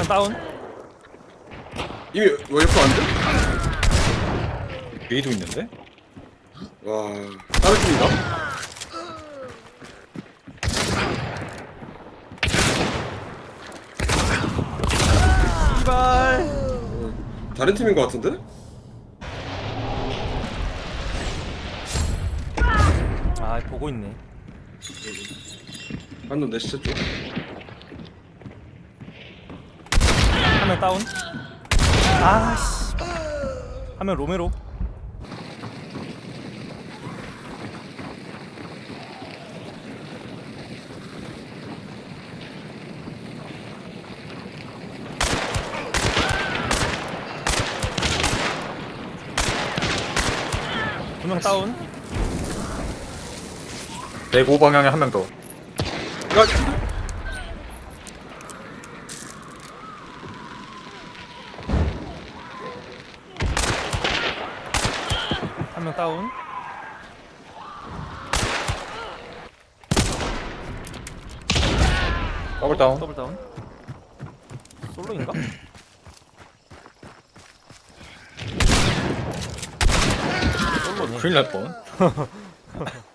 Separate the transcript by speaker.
Speaker 1: 명 다운.
Speaker 2: 이미 웨이프 안 돼?
Speaker 3: A도 있는데?
Speaker 2: 와, 다른 팀인가?
Speaker 1: 씨발.
Speaker 2: 다른 팀인 것 같은데?
Speaker 1: 아 보고 있네.
Speaker 2: 한놈 내 시체 쪽.
Speaker 1: 한 명 다운. 아 씨발. 한 명 로메로. 두 명 다운.
Speaker 3: 105 방향에 한 명 더.
Speaker 2: 야,
Speaker 1: 한 명 다운.
Speaker 3: 더블 다운.
Speaker 1: 더블 다운. 솔로인가? 솔로네.
Speaker 3: 큰일 날 뻔.